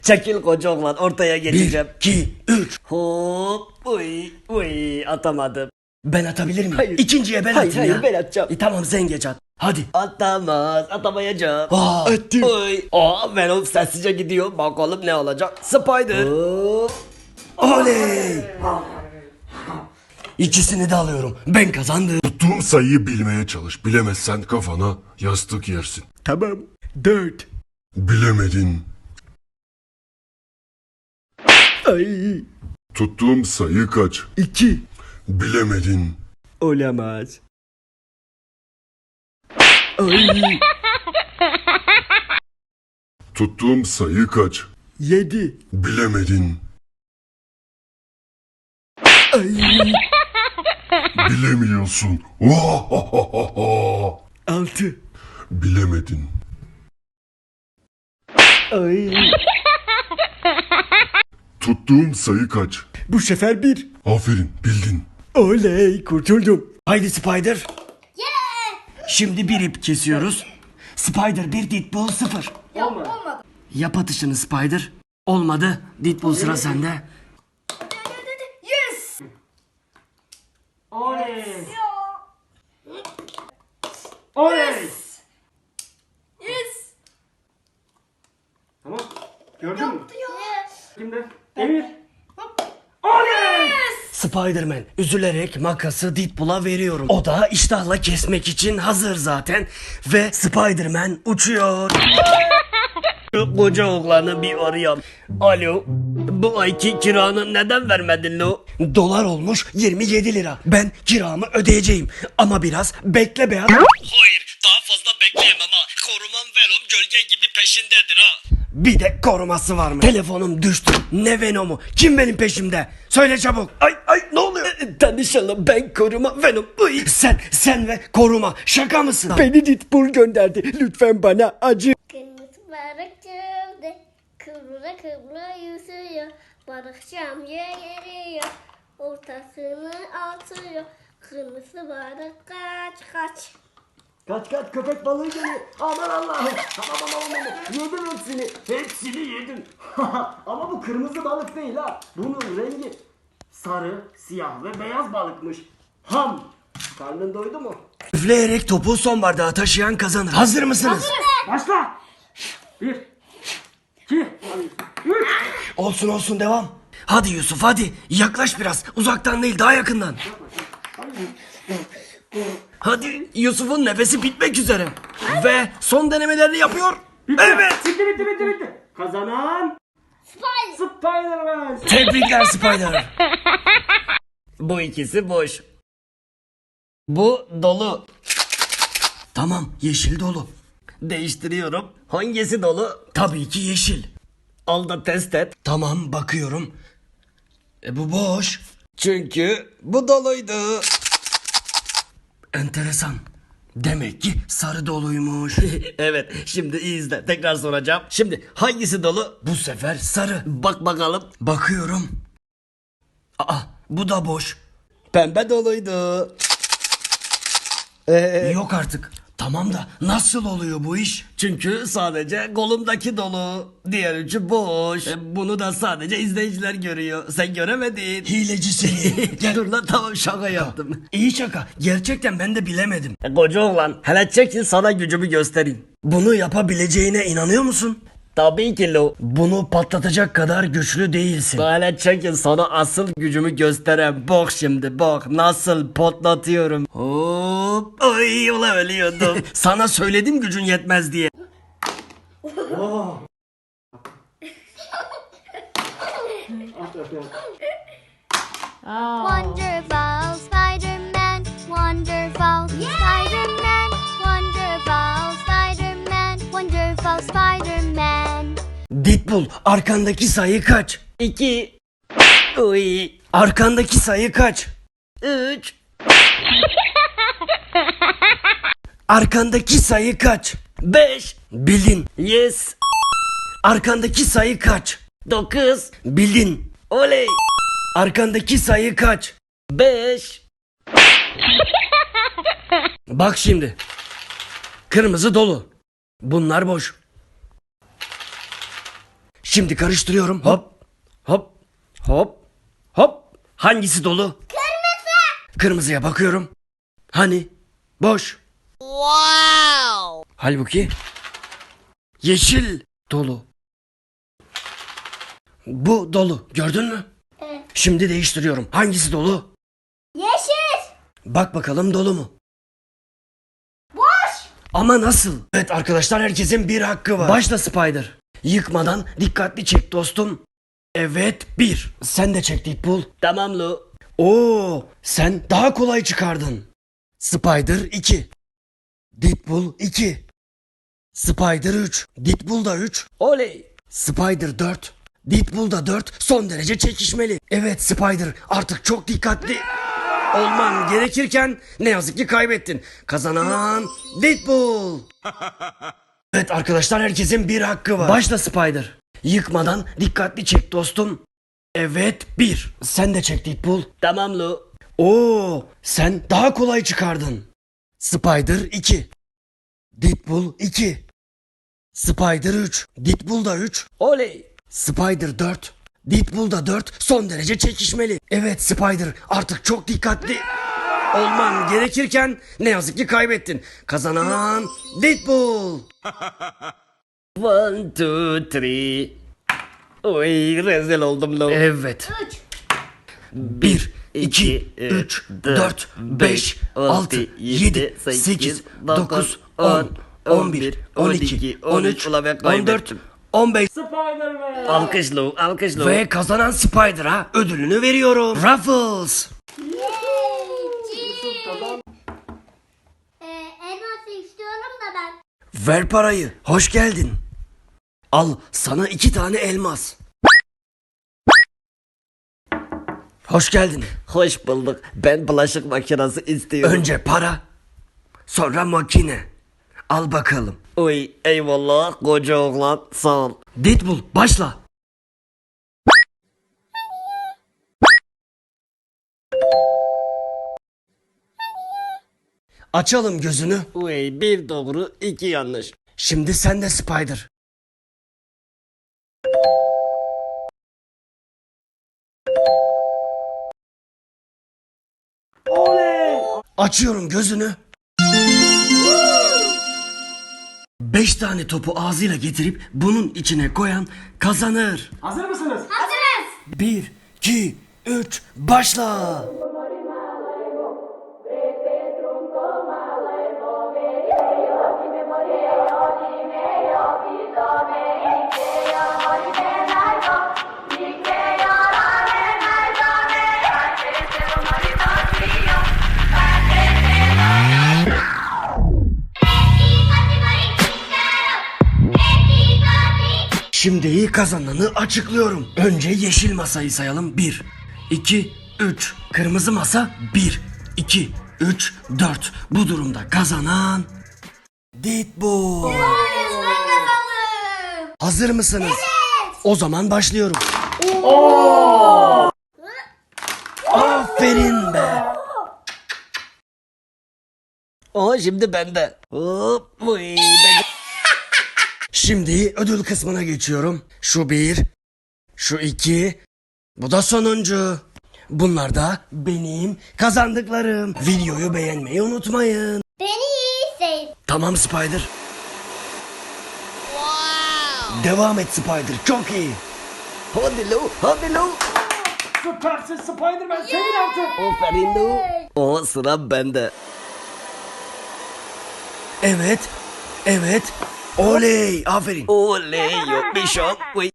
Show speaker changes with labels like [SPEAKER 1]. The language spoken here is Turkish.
[SPEAKER 1] Çekil koca oğlan, ortaya geçeceğim.
[SPEAKER 2] 1, 2, 3.
[SPEAKER 1] Hop. Uy atamadım.
[SPEAKER 2] Ben atabilir miyim?
[SPEAKER 1] Hayır.
[SPEAKER 2] İkinciye ben
[SPEAKER 1] Hayır,
[SPEAKER 2] atayım ya.
[SPEAKER 1] hayır, ben atacağım.
[SPEAKER 2] Tamam sen geç at. Hadi.
[SPEAKER 1] Atamayacağım.
[SPEAKER 2] Attım.
[SPEAKER 1] Oy. Venom sessizce gidiyor. Bakalım ne olacak. Spider. Hop.
[SPEAKER 2] Oley. İkisini de alıyorum. Ben kazandım.
[SPEAKER 3] Tuttuğum sayıyı bilmeye çalış. Bilemezsen kafana yastık yersin.
[SPEAKER 2] Tamam. 4.
[SPEAKER 3] Bilemedin.
[SPEAKER 2] Ay.
[SPEAKER 3] Tuttuğum sayı kaç?
[SPEAKER 2] 2.
[SPEAKER 3] Bilemedin.
[SPEAKER 2] Olamaz. Ay.
[SPEAKER 3] Tuttuğum sayı kaç?
[SPEAKER 2] 7.
[SPEAKER 3] Bilemedin.
[SPEAKER 2] Ay.
[SPEAKER 3] Bilemiyorsun.
[SPEAKER 2] 6.
[SPEAKER 3] Bilemedin.
[SPEAKER 2] Ay.
[SPEAKER 3] Tuttuğum sayı kaç?
[SPEAKER 2] Bu sefer 1.
[SPEAKER 3] Aferin, bildin.
[SPEAKER 2] Oley, kurtuldum. Haydi Spider. Şimdi bir ip kesiyoruz. Spider 1, Deadpool 0.
[SPEAKER 4] Olmadı.
[SPEAKER 2] Yap atışını Spider. Olmadı. Deadpool sıra sende.
[SPEAKER 4] Yes.
[SPEAKER 1] Oley.
[SPEAKER 4] Yes.
[SPEAKER 1] Tamam. Gördün mü?
[SPEAKER 4] Yes.
[SPEAKER 1] Kimde? Emir.
[SPEAKER 2] Spider-Man üzülerek makası Deadpool'a veriyorum. O da iştahla kesmek için hazır zaten. Ve Spider-Man uçuyor.
[SPEAKER 1] Koca oğlanı bir arayayım. Alo. Bu ayki kiranı neden vermedin lo?
[SPEAKER 2] Dolar olmuş 27 lira. Ben kiramı ödeyeceğim. Ama biraz bekle be adam.
[SPEAKER 1] Hayır, daha fazla bekleyemem ha. Korumam Venom gölge gibi peşindedir ha.
[SPEAKER 2] Bir de koruması var mı? Telefonum düştü. Ne Venom'u? Kim benim peşimde? Söyle çabuk. Ay ne oluyor?
[SPEAKER 1] Tanışalım, ben koruma Venom. Uy.
[SPEAKER 2] Sen ve koruma. Şaka mısın?
[SPEAKER 1] Beni Deadpool gönderdi. Lütfen bana acı.
[SPEAKER 5] Kırmızı balık çölde kıvrıla kıvrıla yüzüyor. Balık camya geliyor, ortasını atıyor. Kırmızı balık kaç.
[SPEAKER 1] Kaç köpek balığı geliyor. Aman Allah'ım. Aman. Yedim hepsini. Hepsini yedim. Ama bu kırmızı balık değil ha. Bunun rengi sarı, siyah ve beyaz balıkmış. Ham. Karnın doydu mu?
[SPEAKER 2] Üfleyerek topu son bardağa taşıyan kazanır. Hazır mısınız?
[SPEAKER 1] Başla. 1, 2, 3.
[SPEAKER 2] Olsun devam. Hadi Yusuf hadi. Yaklaş biraz. Uzaktan değil daha yakından. Hadi Yusuf'un nefesi bitmek üzere. Ve son denemelerini yapıyor. Evet.
[SPEAKER 1] Bitti. Kazanan Spider-Man.
[SPEAKER 2] Tebrikler Spider.
[SPEAKER 1] Bu ikisi boş. Bu dolu.
[SPEAKER 2] Tamam yeşil dolu.
[SPEAKER 1] Değiştiriyorum. Hangisi dolu?
[SPEAKER 2] Tabii ki yeşil.
[SPEAKER 1] Al da test et.
[SPEAKER 2] Tamam bakıyorum. Bu boş.
[SPEAKER 1] Çünkü bu doluydu.
[SPEAKER 2] Enteresan. Demek ki sarı doluymuş.
[SPEAKER 1] Evet, şimdi iyi izle. Tekrar soracağım. Şimdi hangisi dolu?
[SPEAKER 2] Bu sefer sarı.
[SPEAKER 1] Bak bakalım.
[SPEAKER 2] Bakıyorum. Bu da boş.
[SPEAKER 1] Pembe doluydu.
[SPEAKER 2] Yok artık. Tamam da nasıl oluyor bu iş?
[SPEAKER 1] Çünkü sadece kolumdaki dolu. Diğer üçü boş. Bunu da sadece izleyiciler görüyor. Sen göremedin.
[SPEAKER 2] Hileci seni. Gel.
[SPEAKER 1] Dur lan, tamam, şaka yaptım.
[SPEAKER 2] İyi şaka. Gerçekten ben de bilemedim.
[SPEAKER 1] Koca oğlan, hele çekil sana gücümü göstereyim.
[SPEAKER 2] Bunu yapabileceğine inanıyor musun?
[SPEAKER 1] Tabii ki lo.
[SPEAKER 2] Bunu patlatacak kadar güçlü değilsin.
[SPEAKER 1] Hele çekil sana asıl gücümü göstereyim. Bak şimdi, bak nasıl patlatıyorum. Hop. Ay ulan ölüyordum.
[SPEAKER 2] Sana söyledim gücün yetmez diye.
[SPEAKER 5] Wonderful Spider-Man, wonderful Spider-Man, wonderful Spider-Man, wonderful Spider-Man.
[SPEAKER 2] Deadpool arkandaki sayı kaç?
[SPEAKER 1] 2. Uy.
[SPEAKER 2] Arkandaki sayı kaç?
[SPEAKER 1] 3.
[SPEAKER 2] Arkandaki sayı kaç?
[SPEAKER 1] 5.
[SPEAKER 2] Bildin.
[SPEAKER 1] Yes.
[SPEAKER 2] Arkandaki sayı kaç?
[SPEAKER 1] 9.
[SPEAKER 2] Bildin.
[SPEAKER 1] Oley.
[SPEAKER 2] Arkandaki sayı kaç?
[SPEAKER 1] 5.
[SPEAKER 2] Bak şimdi. Kırmızı dolu. Bunlar boş. Şimdi karıştırıyorum. Hop. Hop. Hop. Hop. Hangisi dolu?
[SPEAKER 5] Kırmızı.
[SPEAKER 2] Kırmızıya bakıyorum. Hani? Boş.
[SPEAKER 5] Wow.
[SPEAKER 2] Halbuki yeşil dolu. Bu dolu. Gördün mü?
[SPEAKER 5] Evet.
[SPEAKER 2] Şimdi değiştiriyorum. Hangisi dolu?
[SPEAKER 5] Yeşil.
[SPEAKER 2] Bak bakalım dolu mu?
[SPEAKER 5] Boş.
[SPEAKER 2] Ama nasıl? Evet arkadaşlar, herkesin bir hakkı var. Başla Spider. Yıkmadan dikkatli çek dostum. Evet, 1. Sen de çek Deadpool. Tamam Lu. Oo, sen daha kolay çıkardın. Spider 2. Deadpool 2. Spider 3. Deadpool da 3. Oley. Spider 4. Deadpool da 4. Son derece çekişmeli. Evet Spider, artık çok dikkatli olman gerekirken ne yazık ki kaybettin. Kazanan Deadpool. Evet arkadaşlar, herkesin bir hakkı var. Başla Spider. Yıkmadan dikkatli çek dostum. Evet, 1. Sen de çek Deadpool. Tamam Lu. Oo, sen daha kolay çıkardın. Spider 2. Deadpool 2. Spider 3. Deadpool da 3. Oley. Spider 4. Deadpool da 4. Son derece çekişmeli. Evet Spider, artık çok dikkatli olman gerekirken ne yazık ki kaybettin. Kazanan Deadpool. 1, 2, 3. Oy, rezil oldum Lu. Evet. 1, 2, 3, 4, 5, 6, 7, 8, 9, 10, 11, 12, 13, 14, 15.
[SPEAKER 1] Spider-Man.
[SPEAKER 2] Alkış Lu, alkış Lu. Ve kazanan Spider'a ödülünü veriyorum. Ruffles.
[SPEAKER 5] Elması istiyorum da ben.
[SPEAKER 2] Ver parayı. Hoş geldin. Al sana 2 tane elmas. Hoş geldin.
[SPEAKER 6] Hoş bulduk. Ben bulaşık makinesi istiyorum.
[SPEAKER 2] Önce para, sonra makine. Al bakalım.
[SPEAKER 6] Uy, eyvallah koca oğlan, sağ ol.
[SPEAKER 2] Deadpool başla. Açalım gözünü.
[SPEAKER 6] Uy, bir doğru, iki yanlış.
[SPEAKER 2] Şimdi sen de Spider. Açıyorum gözünü. 5 tane topu ağzıyla getirip bunun içine koyan kazanır.
[SPEAKER 1] Hazır mısınız?
[SPEAKER 5] Hazırız.
[SPEAKER 2] 1, 2, 3, başla. Şimdi kazananı açıklıyorum. Önce yeşil masayı sayalım. 1, 2, 3. Kırmızı masa 1, 2, 3, 4. Bu durumda kazanan Deadpool.
[SPEAKER 5] Ben kazandım.
[SPEAKER 2] Hazır mısınız?
[SPEAKER 5] Evet.
[SPEAKER 2] O zaman başlıyorum. Aferin be.
[SPEAKER 6] O şimdi bende. Hop, uy, ben...
[SPEAKER 2] Şimdi ödül kısmına geçiyorum. Şu 1, şu 2, bu da sonuncu. Bunlar da benim kazandıklarım. Videoyu beğenmeyi unutmayın.
[SPEAKER 5] Beni iyi hisset.
[SPEAKER 2] Tamam Spider. Devam et Spider, çok iyi.
[SPEAKER 6] Hadi Lu, hadi Lu.
[SPEAKER 1] Süpersin Spider-Man. Sevin artık.
[SPEAKER 6] Aferin Lu. O sıra bende.
[SPEAKER 2] Evet, evet. Oley, aferin.
[SPEAKER 6] Oley, yok bir şok. Uy.